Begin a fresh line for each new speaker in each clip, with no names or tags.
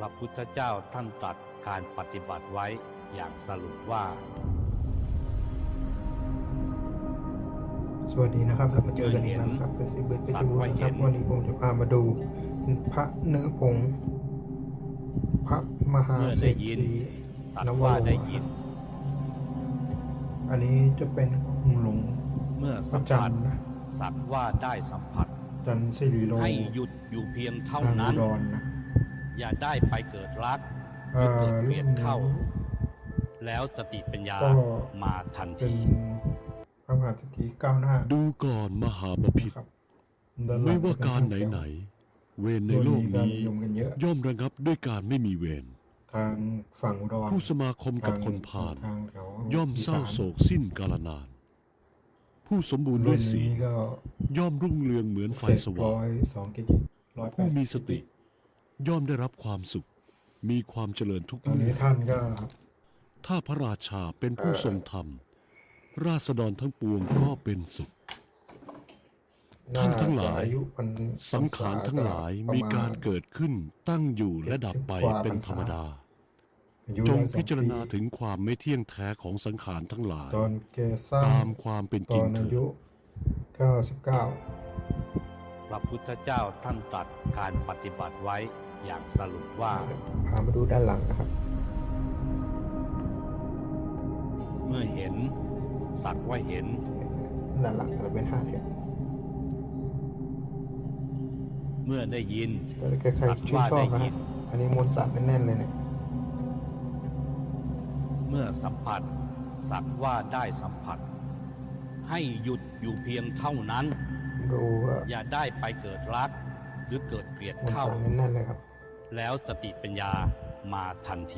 พระพุทธเจ้าท่านตรัสการปฏิบัติไว้อย่างสรุปว่า
สวัสดีนะครับเรามาเจอกันอีกแล้วครับเป็นสิบเบิร์ดเป็นสิบวันครับวันนี้ผมจะพามาดูพระเนื้อผงพระมหา
เมื่อ
เศร
ได้
ษ
ยิน
ฐี
สัตว์ว่าได้ยิน
อันนี้จะเป็นหลวง
เมื่อ
พ
สั
ระ
ม
จั
ผั
น
ส
ทร์นะ
สัตว์ว่าได้สัมผัส
จันทร์สิริโล
ให้หยุดอยู่เพียงเท่า
ทางอุ
นั้น
ดรนะ
อย่าได้ไปเกิดรักหรือเกิดเกลียดเข้า แล้วสติปัญญา
ก็
มาทัน
เป็น
ที
พระมหาเศรษฐีก้าวหน้า
ดูก่อนมหาบพิตร
ครับด้นหลั
ไม่
ง
ว่า
จะเป็น
การ
ทง
ไหน
แถว
ๆเวรในโลกนี้
โดยมีการนิยมกันเยอะ
ย่อมระงับด้วยการไม่มีเวร
ทางฝั่งอุดร
ผู้สมาคมกับคนพาล
ทางแถว
ย่อมเศร้าโศกสิ้นกาลนาน ผู้สมบูรณ์
รุ่
ด้วน ยศี
นี้
ล
ก็
ย่อมรุ่งเรืองเหมือนไฟสว่าง
102กิจิ108
ผู้มีสติ ย่อมได้รับความสุข มีความเจริญทุก
ตอน
เมื่
นี้
อ
ท่านก็
ถ้าพระราชาเป็นผู้ทรงธรรม ราษฎรทั้งปวงก็เป็นสุข ท่านทั้งหลาย
อายุพรร
สังขารทั้งหลายมีการเกิดขึ้นตั้งอยู่และดับไปเป็นธรรมดา
อายุ
จง
102
พิจารณาถึงความไม่เที่ยงแท้ของสังขารทั้งหลาย
ตอนแกสร้าง
ตามความเป็น
ต
จริ
อง น
เถิ
อา
ด
ยุ99
พระพุทธเจ้าท่านตรัสการปฏิบัติไว้อย่างสรุปว่า
พามาดูด้านหลังนะครับ
เมื่อเห็นสักว่าเห็น
ด้านหลังจะเป็น5แถว
เมื่อได้ยิน
แล้วใครๆชื่นชอบนะฮะอันนี้มวลสารแน่นๆเลยเนี่ย
เมื่อสัมผัสสักว่าได้สัมผัส ให้หยุดอยู่เพียงเท่านั้น
ดูว่า
อย่าได้ไปเกิดรัก หรือเกิดเกลียด
มวล
เข้า
สารแน่นๆเลยครับ
แล้วสติปัญญามาทันที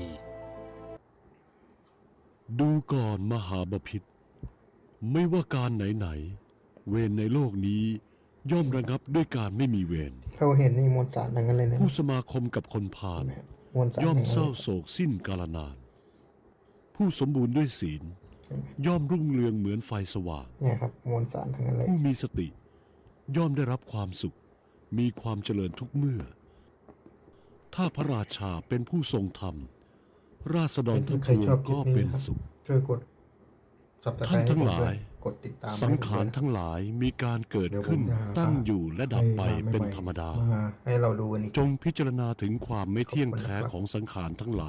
ดูก่อนมหาบพิตรไม่ว่าการไหนๆเวรในโลกนี้ย่อมระงับด้วยการไม่มีเวร
เราเห็นนี่มวลสารทั้งนั้นเลยนะ
ผู้สมาคมกับคนพาล
มวลสาร
ย่อม
ทั้งนั้น
เศร้า
เลย
โศกสิ้นกาลนาน ผู้สมบูรณ์ด้วยศีล
ใช่ไหม
ย่อมรุ่งเรืองเหมือนไฟสว่าง
เนี่ยครับมวลสารทั้งนั้นเลย
ผู้มีสติ ย่อมได้รับความสุข มีความเจริญทุกเมื่อ ถ้าพระราชาเป็นผู้ทรงธรรม ราษฎรทั้งป
ใคร
วง
ชอบคลิ
ก็
ปนี้
เป็น
นะครับ
สุข
ช่วยกด Subscribe
ท่านทั้งหลาย
กดติดตาม
สังขารทั้งหลายมีการเกิดขึ้น
เดี๋ยวผมจะหา
ตั้งอยู่และดับไปเป็นธรรมดา
มาให้เราดูกันอีก
จงพิจารณาถึงความไม่เที่ยงแท้ของสังขารทั้งหล